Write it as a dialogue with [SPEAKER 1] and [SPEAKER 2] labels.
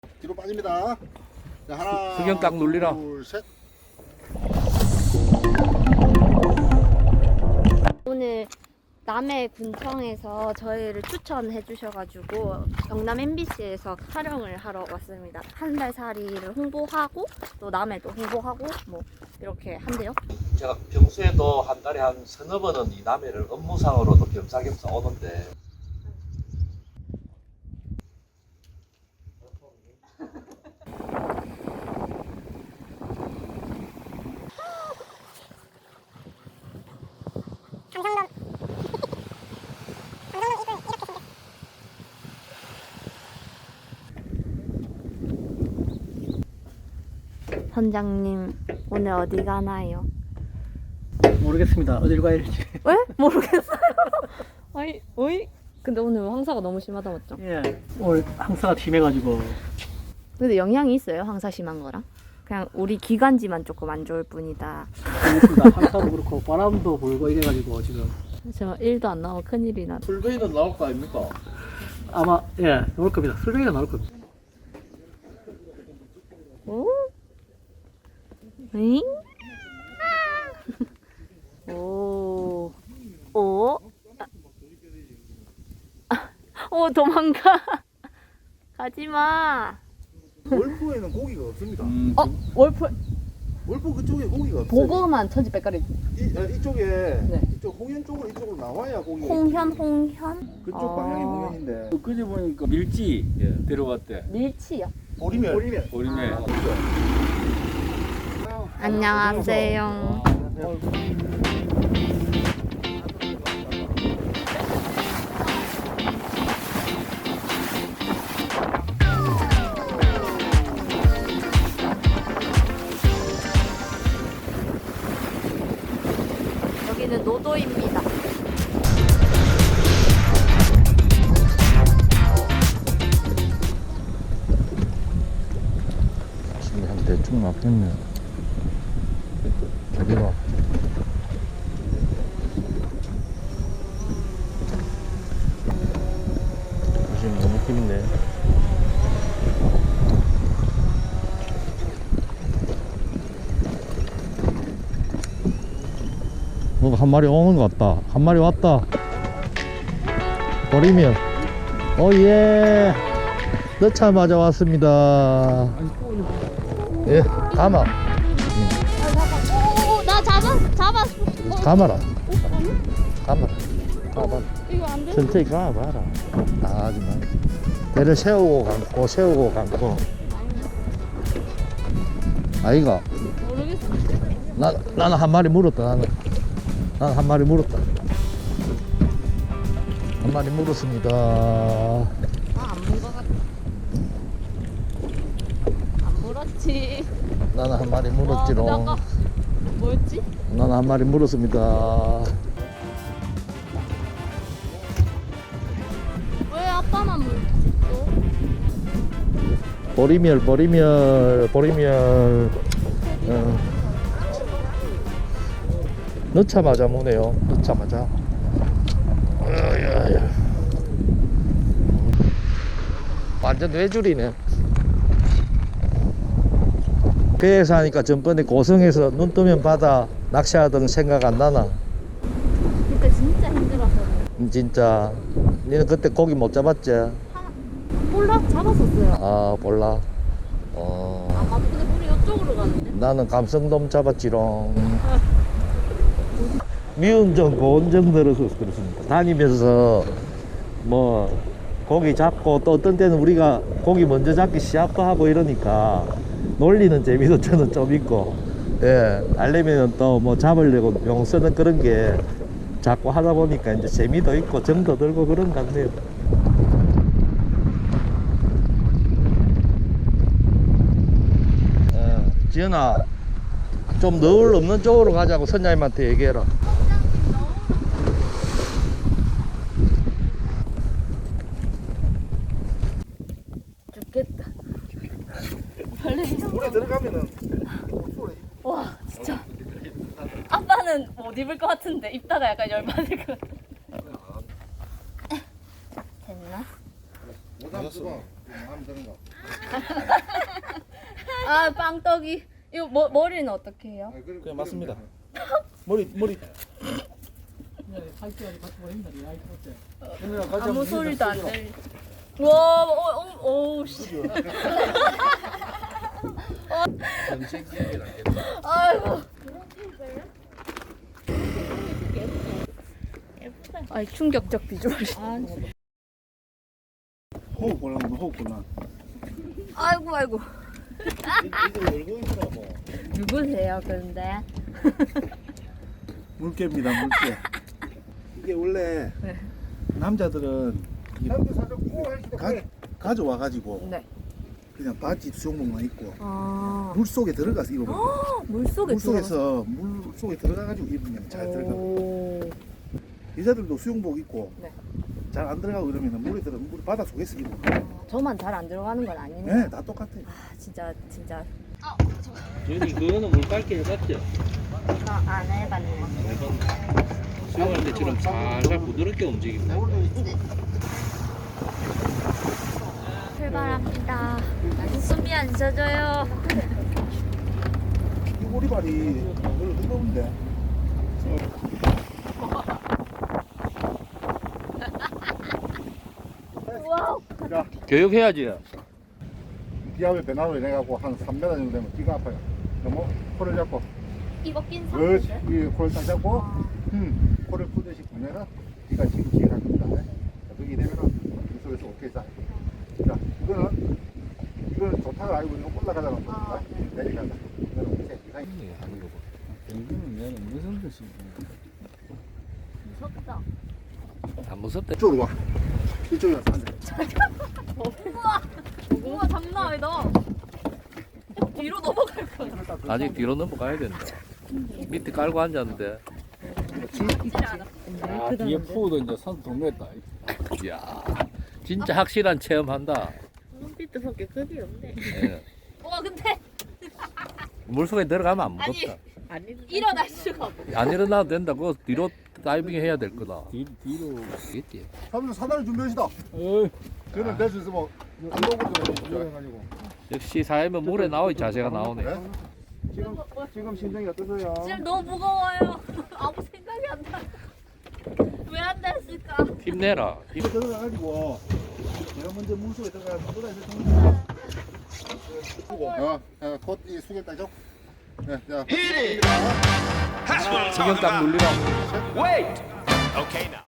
[SPEAKER 1] 뒤로 빠집니다. 자, 하나,
[SPEAKER 2] 수경 딱 눌리라.
[SPEAKER 1] 둘, 셋.
[SPEAKER 3] 오늘 남해 군청에서 저희를 추천해 주셔가지고 경남 MBC에서 촬영을 하러 왔습니다. 한 달 살이를 홍보하고 또 남해도 홍보하고 뭐 이렇게 한대요.
[SPEAKER 2] 제가 평소에도 한 달에 한 서너 번은 이 남해를 업무상으로도 겸사겸사 오는데
[SPEAKER 3] 선장님 오늘 어디 가나요?
[SPEAKER 4] 모르겠습니다. 어딜 가야 할지.
[SPEAKER 3] 왜? 모르겠어요. 아니, 어이? 근데 오늘 황사가 너무 심하다 맞죠?
[SPEAKER 4] 예. 오늘 항사가 심해가지고.
[SPEAKER 3] 근데 영향이 있어요? 황사 심한 거랑? 그냥 우리 기관지만 조금 안 좋을 뿐이다.
[SPEAKER 4] 그렇습니다. 항사도 그렇고 바람도 불고 이래가지고 지금
[SPEAKER 3] 저 일도 안 나오고 큰일이 나.
[SPEAKER 2] 풀베이는 나올 거 아닙니까?
[SPEAKER 4] 아마 예 나올 겁니다. 술뱅이가 나올 겁니다.
[SPEAKER 3] 오? 응? 오. 오? 오, 도망가. 가지 마.
[SPEAKER 1] 월포에는 고기가 없습니다.
[SPEAKER 3] 월풀
[SPEAKER 1] 월포 그쪽에 고기가 없어요.
[SPEAKER 3] 보고만 천지 빽가리.
[SPEAKER 1] 이쪽에
[SPEAKER 3] 네.
[SPEAKER 1] 이쪽 홍현 쪽으로 이쪽으로 나와야 고기가
[SPEAKER 3] 홍현?
[SPEAKER 1] 그쪽 방향이 홍현인데.
[SPEAKER 5] 그제 보니까 밀지 데려갔대.
[SPEAKER 3] 밀치요.
[SPEAKER 1] 보리멸. 보리멸.
[SPEAKER 5] 보리멸.
[SPEAKER 3] 안녕하세요. 여기는 노도입니다.
[SPEAKER 5] 지금 한 대충 앞했네. 저리가. 지금 너무 깊네. 한 마리 오는 것 같다. 한 마리 왔다. 버리면. 오예. 넣자마자 왔습니다. 예, 가마.
[SPEAKER 3] 오, 나 잡았어.
[SPEAKER 5] 가마라. 가마라. 가마라.
[SPEAKER 3] 이거 안 돼?
[SPEAKER 5] 천천히 가봐라. 아, 정말. 배를 세우고 감고, 세우고 감고. 아이가.
[SPEAKER 3] 모르겠어.
[SPEAKER 5] 나는 한 마리 물었다, 나는 한 마리 물었다. 한 마리 물었습니다.
[SPEAKER 3] 안 문 것 같아. 안 물었지.
[SPEAKER 5] 나는 한 마리 물었지롱.
[SPEAKER 3] 근데 아까 뭐였지?
[SPEAKER 5] 나는 한 마리 물었습니다.
[SPEAKER 3] 왜 아빠만 물지 또?
[SPEAKER 5] 보리멸. 넣자마자 무네요. 넣자마자. 완전 외줄이네. 배에서 하니까 전번에 고성에서 눈 뜨면 바다 낚시하던 생각 안 나나?
[SPEAKER 3] 그때 진짜 힘들었어.
[SPEAKER 5] 진짜. 니는 그때 고기 못 잡았지?
[SPEAKER 3] 몰라 잡았었어요.
[SPEAKER 5] 아, 몰라.
[SPEAKER 3] 아 맞다. 근데 우리 이쪽으로 가는데.
[SPEAKER 5] 나는 감성돔 잡았지롱. 미운정, 고운정 들어서 그렇습니다. 다니면서 뭐 고기 잡고 또 어떤 때는 우리가 고기 먼저 잡기 시합도 하고 이러니까 놀리는 재미도 저는 좀 있고, 예, 알려면 또 뭐 잡으려고 용 쓰는 그런 게 자꾸 하다 보니까 이제 재미도 있고 정도 들고 그런 것 같네요. 지연아, 좀 너울 없는 쪽으로 가자고 선장님한테 얘기해라.
[SPEAKER 3] 죽겠다.
[SPEAKER 1] 물에 들어가면은
[SPEAKER 3] 와 진짜. 아빠는 못 입을 것 같은데 입다가 약간 열받을 것 같아. 됐나?
[SPEAKER 1] 모자 쓰고 마음 드는 거.
[SPEAKER 3] 아 빵떡이. 이거 머리는 어떻게 해요?
[SPEAKER 5] 그냥 맞습니다. 머리
[SPEAKER 4] 하이트까지 같이 보낸다. 이 하이트 어때?
[SPEAKER 1] 오늘 같이
[SPEAKER 3] 아무
[SPEAKER 1] 한번
[SPEAKER 3] 소리도 안
[SPEAKER 1] 해보자.
[SPEAKER 3] 들리. 와, 오, 씨. 아이고. 아이 충격적 비주얼.
[SPEAKER 1] 호흡 곤란, 호흡 곤란.
[SPEAKER 3] 아이고.
[SPEAKER 5] 이거 열고 있더라 뭐.
[SPEAKER 3] 누구세요, 근데?
[SPEAKER 1] 물개입니다, 물개. 이게 원래
[SPEAKER 3] 네.
[SPEAKER 1] 남자들은 이 가져와가지고
[SPEAKER 3] 네.
[SPEAKER 1] 그냥 바지 수영복만 입고
[SPEAKER 3] 아.
[SPEAKER 1] 물 속에 들어가서 입어버려.
[SPEAKER 3] 물속에
[SPEAKER 1] 물속에서 물 속에 들어가가지고 입으면 잘 들어가.
[SPEAKER 3] 오.
[SPEAKER 1] 여자들도 수영복 입고
[SPEAKER 3] 네.
[SPEAKER 1] 잘 안 들어가고 이러면 물 바다 속에서 입어.
[SPEAKER 3] 저만 잘 안 들어가는 건 아니네.
[SPEAKER 1] 네, 다 똑같아.
[SPEAKER 3] 아, 진짜.
[SPEAKER 5] 저희 그거는 물갈기 해봤죠?
[SPEAKER 3] 안 해봤네.
[SPEAKER 5] 수영할 때처럼 살살 부드럽게 움직입니다.
[SPEAKER 3] 출발합니다. 숨이 안 쉬어져요.
[SPEAKER 1] 이 오리발이 별로 뜨거운데.
[SPEAKER 3] 와우.
[SPEAKER 1] 자,
[SPEAKER 5] 교육해야지.
[SPEAKER 1] 기압의 변화로 인해갖고 한 3m 정도 되면 귀가 아파요. 너무 코를 잡고,
[SPEAKER 3] 이거 낀
[SPEAKER 1] 그렇지.
[SPEAKER 3] 상태인데?
[SPEAKER 1] 이 코를 딱 잡고, 코를 푸듯이 보면은 귀가 지금 기가 갑니다. 자, 그게 되면은 이 속에서 오케이 자. 자, 이거는 좋다고 알고 이거 올라가자는 겁니다. 내려가자. 이거는 오케이. 이상이.
[SPEAKER 4] 여기는 내는 무슨 뜻이?
[SPEAKER 3] 무섭다.
[SPEAKER 5] 안 무섭대.
[SPEAKER 1] 이쪽으로 와. 이쪽에 와서 앉아.
[SPEAKER 3] 우와, 장난 아니다. 뒤로 넘어갈 거야.
[SPEAKER 5] 아직 뒤로 넘어가야 된다. 밑에 깔고 앉았는데.
[SPEAKER 4] 아 뒤에 푸도 이제 산 동네다.
[SPEAKER 5] 이야, 진짜 확실한 체험한다.
[SPEAKER 3] 눈빛밖에 급이 없네.
[SPEAKER 5] 예.
[SPEAKER 3] 와, 근데
[SPEAKER 5] 물속에 들어가면 안 무섭다.
[SPEAKER 3] 일어날 수가 없어.
[SPEAKER 5] 안 일어나도 된다. 그거 뒤로 다이빙 해야 될 거다.
[SPEAKER 4] 뒤로.
[SPEAKER 5] 알겠지?
[SPEAKER 1] 사무실 사다리 준비하시다.
[SPEAKER 4] 어이.
[SPEAKER 1] 저는 될 수 있으면 운동부터 준비해가지고.
[SPEAKER 5] 역시 사회면 물에 나오니 자세가 나오네.
[SPEAKER 1] 지금 심정이 어떠세요?
[SPEAKER 3] 지금 너무 무거워요. 아무 생각이 안 나. 왜 안 됐을까?
[SPEAKER 5] 힘내라.
[SPEAKER 1] 이거 들어가가지고 내가 먼저 물속에 들어가서 물에서 좀. 콧이 숙여 따죠. 네, 자.
[SPEAKER 5] 신경 딱 눌리라고.
[SPEAKER 6] Wait! Okay, now.